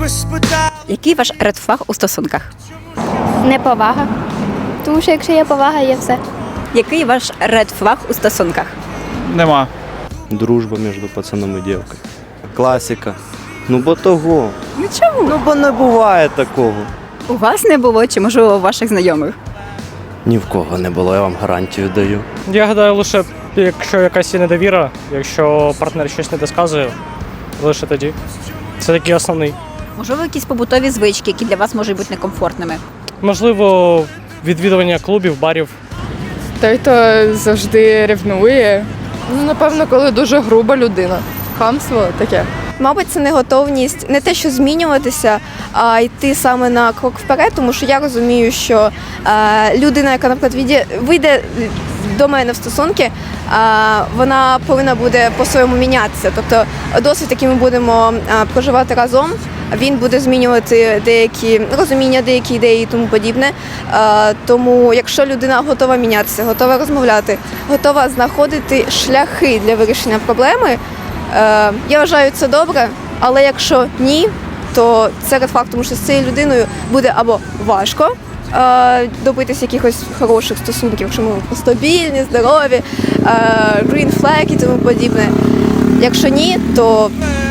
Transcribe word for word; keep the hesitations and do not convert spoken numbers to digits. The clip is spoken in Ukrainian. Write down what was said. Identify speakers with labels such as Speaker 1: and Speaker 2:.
Speaker 1: Який ваш редфлаг у стосунках?
Speaker 2: Неповага. Тому що якщо є повага, є все.
Speaker 1: Який ваш редфлаг у стосунках?
Speaker 3: Нема.
Speaker 4: Дружба між пацаном і дівкою. Класика. Ну бо того.
Speaker 1: Ну чому?
Speaker 4: Ну бо не буває такого.
Speaker 1: У вас не було чи, можливо, у ваших знайомих?
Speaker 4: Ні в кого не було, я вам гарантію даю.
Speaker 5: Я гадаю, лише якщо якась є недовіра, якщо партнер щось не досказує, лише тоді. Це такий основний.
Speaker 1: Можливо, якісь побутові звички, які для вас можуть бути некомфортними?
Speaker 5: Можливо, відвідування клубів, барів.
Speaker 6: Той, хто завжди ревнує. Ну, напевно, коли дуже груба людина. Хамство таке.
Speaker 7: Мабуть, це не готовність не те, що змінюватися, а йти саме на крок вперед, тому що я розумію, що е, людина, яка, наприклад, війде, вийде до мене в стосунки, е, вона повинна буде по-своєму мінятися. Тобто досвід, який ми будемо е, проживати разом, він буде змінювати деякі розуміння, деякі ідеї і тому подібне. Е, тому якщо людина готова мінятися, готова розмовляти, готова знаходити шляхи для вирішення проблеми, Е, я вважаю, це добре, але якщо ні, то це ред факт, тому що з цією людиною буде або важко е, добитися якихось хороших стосунків, якщо ми стабільні, здорові, е, green flag і тому подібне. Якщо ні, то